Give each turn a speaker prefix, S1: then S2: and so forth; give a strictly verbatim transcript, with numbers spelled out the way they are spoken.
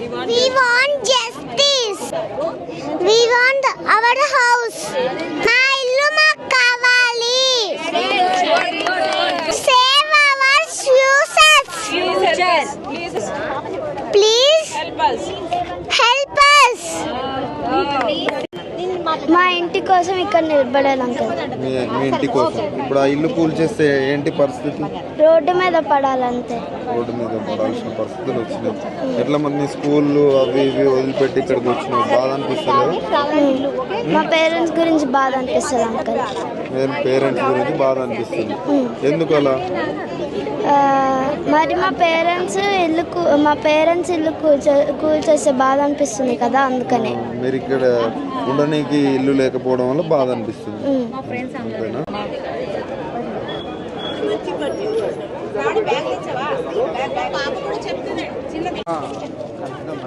S1: We want justice. We want our house. మా ఇల్లు మాకు కావాలి. Save our futures. Please help us. Help us. మా ఇంటి కోసం ఇక్కడ నిలబడాలి అంకుల్.
S2: మీ ఇంటి కోసం ఇప్పుడు ఆ ఇల్లు కూల్చేస్తే ఏంటి పరిస్థితి?
S1: రోడ్డు మీద పడాలంతే.
S2: రోడ్డు మీద పడాల్సిన పరిస్థితులు వచ్చినాయి. ఎట్లా మంది స్కూళ్ళు అవి ఇవి వదిలిపెట్టి ఇక్కడికి వచ్చినాయి, బాధ అనిపిస్తుంది.
S1: మా పేరెంట్స్ గురించి బాధ అనిపిస్తుంది అంకుల్.
S2: నేను పేరెంట్స్ గురించి బాధ అనిపిస్తుంది. ఎందుకు అలా?
S1: మరి మా పేరెంట్స్ ఇల్లు మా పేరెంట్స్ ఇల్లు కూల్చే కూల్చేస్తే బాధ అనిపిస్తుంది కదా, అందుకనే.
S2: మీరు ఇక్కడ ఉండడానికి ఇల్లు లేకపోవడం వల్ల బాధ అనిపిస్తుంది, అంతేనా?